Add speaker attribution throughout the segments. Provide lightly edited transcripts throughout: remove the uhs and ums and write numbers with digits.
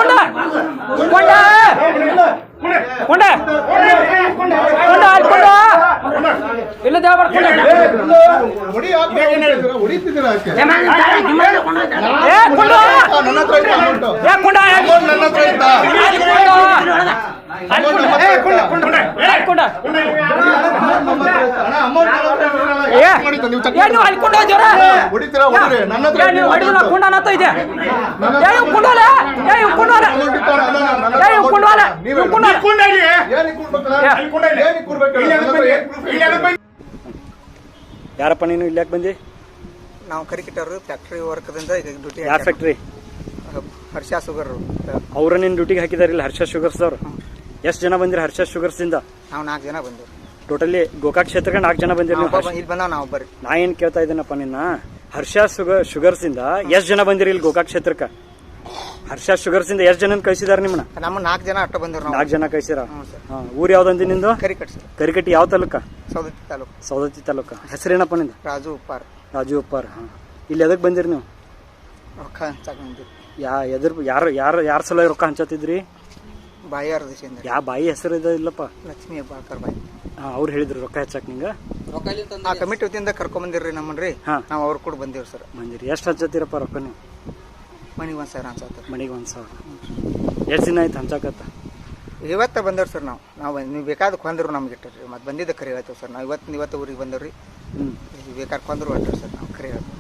Speaker 1: ಯಾರಪ್ಪ ನೀನು ಇಲ್ಲಿ ಯಾಕೆ ಬಂದಿ?
Speaker 2: ನಾವು ಕರಿಕಿಟ್ಟರು ಫ್ಯಾಕ್ಟ್ರಿ ವರ್ಕ್ದಿಂದ ಡ್ಯೂಟಿ.
Speaker 1: ಯಾವ ಫ್ಯಾಕ್ಟ್ರಿ?
Speaker 2: ಹರ್ಷ ಶುಗರ್.
Speaker 1: ಅವ್ರ ನಿನ್ನ ಡ್ಯೂಟಿಗೆ ಹಾಕಿದಾರಿಲ್ಲ ಹರ್ಷ ಶುಗರ್ಸ್ ಅವ್ರು. ಎಷ್ಟು ಜನ ಬಂದಿರಿ ಹರ್ಷ ಶುಗರ್ಸ್ ಇಂದ?
Speaker 2: ನಾವು 4 ಜನ ಬಂದಿವಿ.
Speaker 1: ಟೋಟಲಿ ಗೋಕಾಕ್ ಕ್ಷೇತ್ರಕ್ಕೆ 4 ಜನ ಬಂದಿರಿ.
Speaker 2: ಇಲ್ಲಿ ಬಂದ ನಾವು ಬರ್ರಿ.
Speaker 1: ನಾ ಏನ್ ಕೇಳ್ತಾ ಇದ್ದೀನಪ್ಪ ನಿನ್ನ, ಹರ್ಷ ಶುಗರ್ಸ್ ಇಂದ ಎಷ್ಟು ಜನ ಬಂದಿರಿ ಇಲ್ಲಿ ಗೋಕಾಕ್ ಕ್ಷೇತ್ರಕ್ಕೆ? ಹರ್ಷ ಶುಗರ್ಸ್ ಇಂದ ಎಷ್ಟು ಜನ ಕಳಿಸಿದಾರೆ ನಿಮ್ಮನ್ನ?
Speaker 2: ನಮ್ಮ 4 ಜನ ಅಷ್ಟ ಬಂದಿರು.
Speaker 1: 4 ಜನ ಕಳಿಸಿರ. ಊರ್ ಯಾವ್ದಂದಿ ನಿಂದು? ಕರಿಕಟ್ಟಿ. ಯಾವ ತಾಲೂಕ? ಸೌದತ್ತಿ ತಾಲೂಕ. ಹೆಸರೇನಪ್ಪ ನಿಂದ?
Speaker 2: ರಾಜು ಉಪ್ಪಾರ್.
Speaker 1: ರಾಜು ಉಪ್ಪಾರ್. ಇಲ್ಲಿ ಎದಕ್ ಬಂದಿರಿ ನೀವು?
Speaker 2: ರೊಕ್ಕ ಹಂಚಾಕ ಬಂದಿರಿ.
Speaker 1: ಯಾರ ಸಲ ರೊಕ್ಕ ಹಂಚತ್ತಿದ್ರಿ?
Speaker 2: ಬಾಯಿಯಾರ ದೇಶದಿಂದ.
Speaker 1: ಯಾವ ಬಾಯಿ ಹೆಸರು ಇಲ್ಲಪ್ಪ?
Speaker 2: ಲಕ್ಷ್ಮೀ ಹೆಬ್ಬಾಳ್ಕರ್ ಬಾಯಿ.
Speaker 1: ಅವ್ರು ಹೇಳಿದ್ರು ರೊಕ್ಕ ಹಚ್ಚಾಕ್ ನಿಂಗ?
Speaker 2: ಆ ಕಮಿಟಿ ವತಿಯಿಂದ ಕರ್ಕೊಂಡ್ ಬಂದಿರ್ರಿ ನಮ್ಮನ್ರಿ. ನಾವು ಅವ್ರು ಕೂಡ ಬಂದಿವ್ರಿ ಸರ್.
Speaker 1: ಬಂದಿರಿ. ಎಷ್ಟು ಹಚ್ಚತ್ತೀರಪ್ಪ ರೊಕ್ಕ ನೀವು?
Speaker 2: ಮನಿಗೆ 1,000 ಹಂಚಾತ.
Speaker 1: ಮನಿಗೆ 1,000. ಎಷ್ಟು ದಿನ ಆಯ್ತು ಹಂಚಾಕತ್ತ?
Speaker 2: ಇವತ್ತ ಬಂದವ್ರಿ ಸರ್. ನಾವು ನೀವು ಬೇಕಾದ ಕೊಂದ್ರು ನಮ್ಗೆ ಇಟ್ಟರಿ. ಮತ್ತೆ ಬಂದಿದ್ದ ಕರಿ ಹೇಳ್ತೇವೆ ಸರ್. ನಾವು ಇವತ್ತು ಊರಿಗೆ ಬಂದವ್ರಿ. ಬೇಕಾದ ಕೊಂದ್ರು ಹೇಳ್ರಿ ಸರ್. ನಾವು ಕರಿ ಹೇಳ್ತೇವೆ.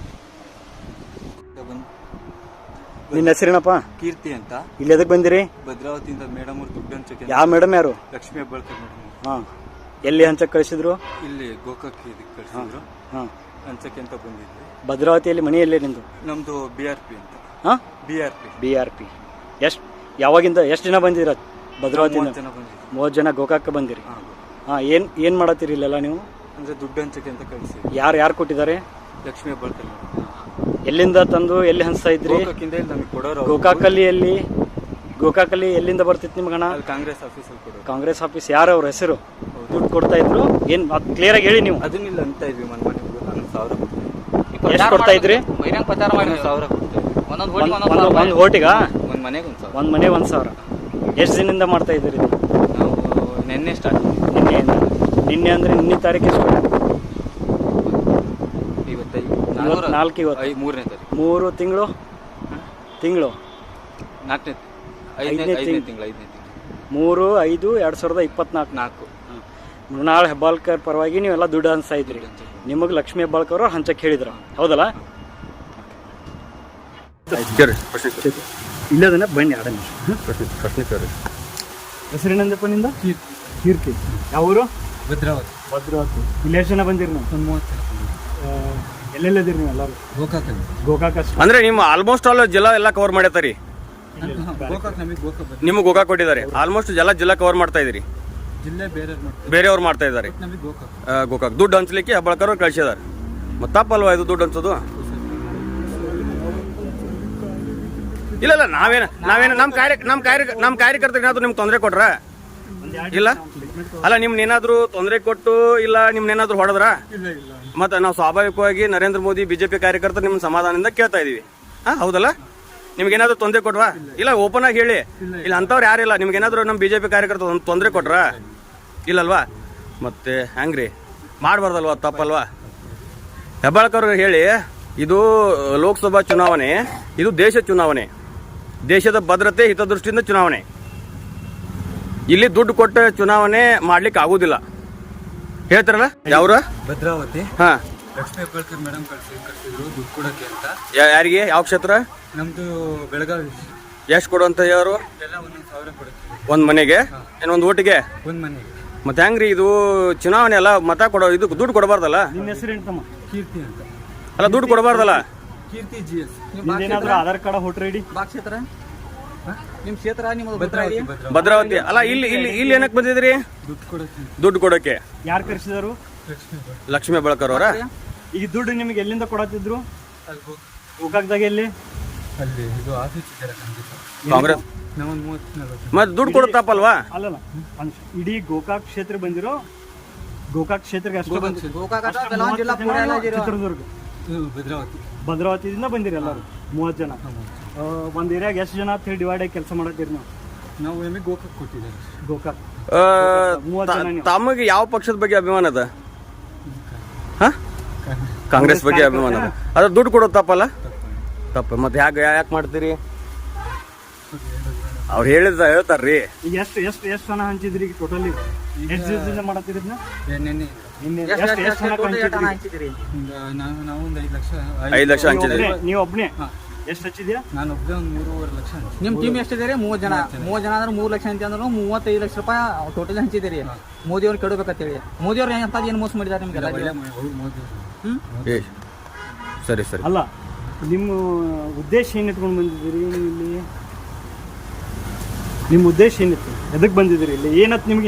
Speaker 1: ನಿನ್ನ ಹೆಸರೇನಪ್ಪ?
Speaker 3: ಕೀರ್ತಿ ಅಂತ.
Speaker 1: ಇಲ್ಲಿ ಎದಕ್ ಬಂದಿರಿ?
Speaker 3: ಭದ್ರಾವತಿಯಿಂದ ಮೇಡಮ್ ಅವ್ರು ದುಡ್ಡು ಹಂಚಕ್ಕೆ.
Speaker 1: ಯಾವ ಮೇಡಮ್? ಯಾರು?
Speaker 3: ಲಕ್ಷ್ಮೀ ಹೆಬ್ಬಾಳ್ಕರ್ ಮೇಡಮ್.
Speaker 1: ಹಾ. ಎಲ್ಲಿ ಹಂಚಕ್ ಕಳಿಸಿದ್ರು?
Speaker 3: ಇಲ್ಲಿ ಗೋಕಾಕ್ ಕಳಿಸಿದ್ರು. ಹಂಚಕ್ಕೆ ಅಂತ ಬಂದಿದ್ವಿ.
Speaker 1: ಭದ್ರಾವತಿಯಲ್ಲಿ ಮನಿ ಎಲ್ಲಿ ನಿಂದು?
Speaker 3: ನಮ್ದು BRP ಅಂತ.
Speaker 1: BRP. ಯಾವಾಗಿಂದ ಎಷ್ಟು ಜನ ಬಂದಿರ ಭದ್ರಾವತಿಯಿಂದ? 30 ಜನ ಗೋಕಾಕ್ ಬಂದಿರಿ. ಏನ್ ಮಾಡತ್ತೀರಿ ಇಲ್ಲೆಲ್ಲ ನೀವು?
Speaker 3: ಅಂದ್ರೆ ದುಡ್ಡು ಹಂಚಕ್ಕೆ ಅಂತ ಕಳಿಸಿ.
Speaker 1: ಯಾರು ಕೊಟ್ಟಿದ್ದಾರೆ?
Speaker 3: ಲಕ್ಷ್ಮೀ ಹೆಬ್ಬಾಳ್ಕರ್.
Speaker 1: ಎಲ್ಲಿಂದ ತಂದು ಎಲ್ಲಿ ಹಂಚ್ತಾ ಇದ್ರಿ? ಗೋಕಾಕಲ್ಲಿ ಎಲ್ಲಿಂದ ಬರ್ತಿತ್ತು ನಿಮ್ಗೆ ಹಣ?
Speaker 3: ಕಾಂಗ್ರೆಸ್ ಆಫೀಸಲ್ಲಿ ಕೊಡೋರು.
Speaker 1: Congress office. ಯಾರು ಅವ್ರ ಹೆಸರು? ದುಡ್ಡು ಕೊಡ್ತಾ ಇದ್ರು? ಏನ್ ಕ್ಲಿಯರ್ ಆಗಿ ಹೇಳಿ ನೀವು.
Speaker 3: ಅದನ್ನಿಲ್ಲ ಅಂತ ಇದ್ವಿ. ಮನೆ 1,000
Speaker 1: ಎಷ್ಟು ಕೊಡ್ತಾ ಇದ್ರಿ?
Speaker 3: 1,000
Speaker 1: ಒಂದ್ ಓಟಿಗ?
Speaker 3: ಒಂದ್ ಮನೆಗೆ
Speaker 1: 1,000. ಎಷ್ಟು ದಿನದಿಂದ ಮಾಡ್ತಾ ಇದ್ದೀರಿ?
Speaker 3: ನಾವು ನಿನ್ನೆ ಸ್ಟಾರ್ಟ್.
Speaker 1: ನಿನ್ನೆ ಅಂದ್ರೆ ನಿನ್ನೆ ತಾರೀಕು ಎಷ್ಟು? 4 ಇವತ್ತು.
Speaker 3: 3ನೇ ತಾರೀಕು.
Speaker 1: 3 ತಿಂಗಳು
Speaker 3: 5ನೇ ತಿಂಗಳು.
Speaker 1: 3/5/2024. ಮೃಣಾಲ್ ಹೆಬ್ಬಾಳ್ಕರ್ ಪರವಾಗಿ ನೀವೆಲ್ಲ ದುಡ್ಡು ಹಂಚ್ತಾ ಇದ್ರಿ. ನಿಮಗೆ ಲಕ್ಷ್ಮೀ ಹೆಬ್ಬಾಳ್ಕರ್ ಅವ್ರು ಹಂಚಕ್ಕೆ ಹೇಳಿದ್ರು, ಹೌದಲ್ಲ? ಇಲ್ಲದನ್ನ ಬನ್ನಿ ಆಡ ಪ್ರಶ್ನೆ ಹೆಸರೇನಂದಪ್ಪ ನಿಂದ? ಕೀರ್ತಿ. ಯಾವ ಊರು? ಭದ್ರಾವತಿ. ಇಲ್ಲಿ ಎಷ್ಟು ಜನ ಬಂದಿರಿ ನೀವು? 30 ಜನ. ಎಲ್ಲೆಲ್ಲದಿರಿ ನೀವು ಎಲ್ಲರೂ? ಗೋಕಾಕ್.
Speaker 4: ಅಂದ್ರೆ ನಿಮ್ಮ ಆಲ್ಮೋಸ್ಟ್ ಆಲ್ ಜಿಲ್ಲಾ ಎಲ್ಲ ಕವರ್ ಮಾಡತ್ತೀರಿ. ನಿಮಗೆ ಗೋಕಾಕ್ ಕೊಟ್ಟಿದ್ದಾರೆ. ಆಲ್ಮೋಸ್ಟ್ ಜಿಲ್ಲಾ ಕವರ್ ಮಾಡ್ತಾ ಇದೀರಿ. ಬೇರೆಯವ್ರು ಮಾಡ್ತಾ ಇದ್ದಾರೆ ಗೋಕಾಕ್. ದುಡ್ಡು ಹಂಚ್ಲಿಕ್ಕೆ ಹೆಬ್ಬಾಳ್ಕರ್ ಅವ್ರು ಕಳಿಸಿದಾರೆ. ಮತ್ತೆ ತಪ್ಪಲ್ವಾ ಇದು ದುಡ್ಡು ಹಂಚೋದು? ಇಲ್ಲ ನಾವೇನ ನಮ್ಮ ಕಾರ್ಯಕರ್ತರಿಗೆ ಏನಾದ್ರು ನಿಮ್ಗೆ ತೊಂದರೆ ಕೊಟ್ರ? ಇಲ್ಲ ಅಲ್ಲ, ನಿಮ್ನೇನಾದ್ರು ತೊಂದರೆ ಕೊಟ್ಟು ಇಲ್ಲ ನಿಮ್ನೇನಾದ್ರು ಹೊಡೆದ್ರ? ಮತ್ತೆ ನಾವು ಸ್ವಾಭಾವಿಕವಾಗಿ ನರೇಂದ್ರ ಮೋದಿ ಬಿಜೆಪಿ ಕಾರ್ಯಕರ್ತರು ನಿಮ್ ಸಮಾಧಾನದಿಂದ ಕೇಳ್ತಾ ಇದೀವಿ. ಹೌದಲ್ಲ? ನಿಮ್ಗೇನಾದ್ರು ತೊಂದರೆ ಕೊಟ್ವಾ? ಇಲ್ಲ, ಓಪನ್ ಆಗಿ ಹೇಳಿ. ಇಲ್ಲ ಅಂತವ್ರು ಯಾರಿಲ್ಲ. ನಿಮ್ಗೇನಾದ್ರು ನಮ್ಮ ಬಿಜೆಪಿ ಕಾರ್ಯಕರ್ತರು ತೊಂದರೆ ಕೊಟ್ರ? ಇಲ್ಲಲ್ವಾ? ಮತ್ತೆ ಹೆಂಗ್ರಿ ಮಾಡ್ಬಾರ್ದಲ್ವಾ? ತಪ್ಪಲ್ವಾ? ಹೆಬ್ಬಾಳ್ಕರ್ ಹೇಳಿ, ಇದು ಲೋಕಸಭಾ ಚುನಾವಣೆ, ಇದು ದೇಶ ಚುನಾವಣೆ, ದೇಶದ ಭದ್ರತೆ ಹಿತದೃಷ್ಟಿಯಿಂದ ಚುನಾವಣೆ. ಇಲ್ಲಿ ದುಡ್ಡು ಕೊಟ್ಟ ಚುನಾವಣೆ ಮಾಡ್ಲಿಕ್ಕೆ ಆಗುದಿಲ್ಲ. ಹೇಳ್ತಾರಲ್ಲ ಯಾವ್ರ?
Speaker 3: ಭದ್ರಾವತಿ. ಲಕ್ಷ್ಮೀ ಹೆಬ್ಬಾಳ್ಕರ್ ಮೇಡಮ್ ಕಳಿಸಿದ್ರು ದುಡ್ಡು ಕೊಡಕ್ಕೆ ಅಂತ.
Speaker 4: ಯಾರಿಗೆ? ಯಾವ ಕ್ಷೇತ್ರ?
Speaker 3: ನಮ್ದು ಬೆಳಗಾವಿ.
Speaker 4: ಎಷ್ಟು ಕೊಡುವಂತ ಯಾರು?
Speaker 3: ಎಲ್ಲ 1,000 ಕೊಡುತ್ತೆ.
Speaker 4: ಒಂದ್ ಮನೆಗೆ? ಏನೊಂದು ಓಟಿಗೆ?
Speaker 3: ಒಂದ್ ಮನೆಗೆ.
Speaker 4: ಮತ್ತೆ ಹೆಂಗ್ರಿ ಇದು ಚುನಾವಣೆ ಅಲ್ಲ, ಮತ ಕೊಡೋ ಇದು ದುಡ್ಡು ಕೊಡಬಾರ್ದಲ್ಲ?
Speaker 1: ನಿಮ್ಮ ಹೆಸರು ಎಂತಮ್ಮ?
Speaker 3: ಕೀರ್ತಿ ಅಂತ.
Speaker 4: ಅಲ್ಲ, ದುಡ್ಡು ಕೊಡಬಾರ್ದಲ್ಲ?
Speaker 3: Keerthi GS.
Speaker 1: Aadhaar card voter ID?
Speaker 2: ಕ್ಷೇತ್ರ ನಿಮ್ ಕ್ಷೇತ್ರ ನಿಮ್ಮದು
Speaker 4: ಭದ್ರಾವತಿ. ಅಲ್ಲ, ಇಲ್ಲಿ ಏನಕ್ಕೆ ಬಂದಿದ್ರಿ? ದುಡ್ಡು ಕೊಡಕ್ಕೆ.
Speaker 1: ಯಾರು ಕರೆಸಿದಾರು?
Speaker 4: ಲಕ್ಷ್ಮೀ ಹೆಬ್ಬಾಳ್ಕರ್ ಅವರ.
Speaker 1: ಈಗ ದುಡ್ಡು ನಿಮ್ಗೆ ಎಲ್ಲಿಂದ ಕೊಡತ್ತಿದ್ರು? ಗೋಕಾಕ್ದಾಗ ಎಲ್ಲಿ?
Speaker 3: ಅಲ್ಲಿ ಇದು ಆಫೀಸ್ ಇದೆ
Speaker 4: ಕಾಂಗ್ರೆಸ್. ಮತ್ತೆ ದುಡ್ಡು ಕೊಡುತ್ತಪ್ಪಲ್ವಾ?
Speaker 1: ಅಲ್ಲಲ್ಲ, ಇಡೀ ಗೋಕಾಕ್ ಕ್ಷೇತ್ರ ಬಂದಿರೋ ಗೋಕಾಕ್ ಕ್ಷೇತ್ರಕ್ಕೆ ಅಷ್ಟು ಚಿತ್ರದುರ್ಗ ಭದ್ರಾವತಿದಿಂದ ಬಂದಿರಿ ಎಲ್ಲರೂ 30 ಜನ. ಒಂದು ಏರಿಯಾಗ ಎಷ್ಟು ಜನ ಅಂತ ಹೇಳಿ ಡಿವೈಡ್ ಆಗಿ ಕೆಲಸ ಮಾಡತ್ತೀರಿ ನಾವು?
Speaker 3: ನಾವು ಎಮ್ಮೆ ಗೋಕಾಕ್ ಕೊಟ್ಟಿದ್ದಾರೆ
Speaker 1: ಗೋಕಾಕ್
Speaker 4: ಆ,
Speaker 1: 30 ಜನ ನೀವು.
Speaker 4: ತಮಗೆ ಯಾವ ಪಕ್ಷದ ಬಗ್ಗೆ ಅಭಿಮಾನ ಅದ? ಹಾ ಕಾಂಗ್ರೆಸ್ ಬಗ್ಗೆ ಅಭಿಮಾನ ಅದ. ಅದ್ರ ದುಡ್ಡು ಕೊಡೋದು ತಪ್ಪಲ್ಲ? ತಪ್ಪ. ಮತ್ತೆ ಯಾಕೆ ಮಾಡ್ತೀರಿ? ಅವ್ರು ಹೇಳ್ತಾರ್ರಿ.
Speaker 1: ಈಗ ಎಷ್ಟು ಜನ ಹಂಚಿದ್ರಿ ಟೋಟಲಿ? ಎಷ್ಟು ದಿವಸದಿಂದ ಮಾಡತ್ತೀರಿ ಇದನ್ನ?
Speaker 3: ನೆನ್ನೆ
Speaker 1: ನಿನ್ನೆ ಎಷ್ಟು ಹಣ ಹಂಚಿದ್ರಿ?
Speaker 3: ನಾವು ಒಂದು 5 ಲಕ್ಷ
Speaker 4: 5 ಲಕ್ಷ ಹಂಚಿದ್ರಿ.
Speaker 1: ನೀವು ಒಬ್ಬನೇ ಎಷ್ಟು ಹಚ್ಚಿದ್ಯಾ?
Speaker 3: ನಾನು ಒಬ್ಬನೇ ಒಂದು 3.5 ಲಕ್ಷ ಹಂಚಿದ್ದೆ.
Speaker 5: ನಿಮ್ಮ ಟೀಮ್ ಎಷ್ಟಿದೆ? 30 ಜನ ಅಂದ್ರೆ 3 ಲಕ್ಷ ಅಂತ ಅಂದ್ರೆ 35 ಲಕ್ಷ ರೂಪಾಯಿ ಟೋಟಲ್ ಹಂಚಿದ್ದೀರಿ. ಮೋದಿ ಅವ್ರು ಕೆಡಬೇಕಂತೇಳಿ. ಮೋದಿ ಅವ್ರು ಅಂತದ್ದು ಏನು ಮೋಸ ಮಾಡಿದ್ದಾರೆ ನಿಮ್ಗೆಲ್ಲ?
Speaker 3: ಅವ್ರು ಮೋದಿ
Speaker 4: ಏ, ಸರಿ ಸರಿ.
Speaker 1: ಅಲ್ಲ, ನಿಮ್ಮ ಉದ್ದೇಶ ಏನು ಇಟ್ಕೊಂಡು ಬಂದಿದ್ದೀರಿ ನೀವು ಇಲ್ಲಿ? ನಿಮ್ಮ ಉದ್ದೇಶ ಏನಿತ್ತು? ಎದಕ್ಕೆ ಬಂದಿದ್ದೀರಿ ಇಲ್ಲಿ? ಏನತ್ತು ನಿಮ್ಗೆ